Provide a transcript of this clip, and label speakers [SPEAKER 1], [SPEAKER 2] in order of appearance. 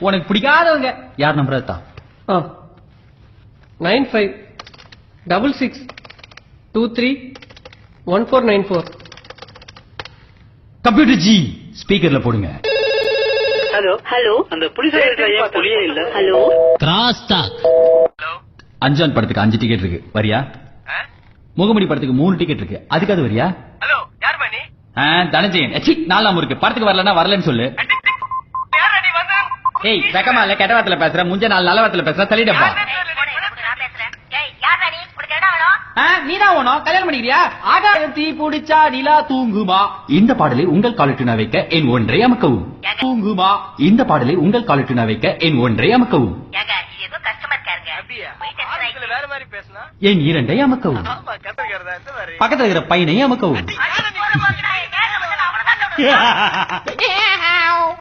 [SPEAKER 1] உனக்கு பிடிக்காதவங்க யார் நம்பர் தான்
[SPEAKER 2] 9566231494.
[SPEAKER 1] கம்ப்யூட்டர் ஜி ஸ்பீக்கர்ல போடுங்க.
[SPEAKER 3] ஹலோ ஹலோ, அந்த புலிஸ் புலியே இல்ல. Hello
[SPEAKER 1] cross talk. அஞ்சான் படத்துக்கு 5 டிக்கெட் இருக்கு, வரியா? முகமடி படத்துக்கு 3 டிக்கெட் இருக்கு, அதுக்காவது வரியா?
[SPEAKER 3] ஹலோ, யார் மணி?
[SPEAKER 1] தனஞ்சயன். நாலாம் இருக்கு, படத்துக்கு வரலன்னா வரலன்னு சொல்லு. ஏய் வெக்கமா இல்ல, கெட்ட வார்த்தையில பேசுற, முஞ்ச நாள் நல்ல வார்த்தையில பேசுற, தள்ளிடப்பா. நீதான் ஓணும், கல்யாணம் பண்ணிக்கிறியா? ஆகாயத்தி குடிச்சா நிலா தூங்குமா. இந்த பாடலை உங்கள் காலட்டுனா வைக்க என் ஒன்றை அமக்கவும். தூங்குமா. இந்த பாடலை உங்கள் காலட்டுனா வைக்க என் ஒன்றை அமக்கவும்.
[SPEAKER 3] வேற மாதிரி பேசினா
[SPEAKER 1] என் 2ஐ அமக்கவும். பக்கத்துல இருக்கிற பையனை அமக்கவும்.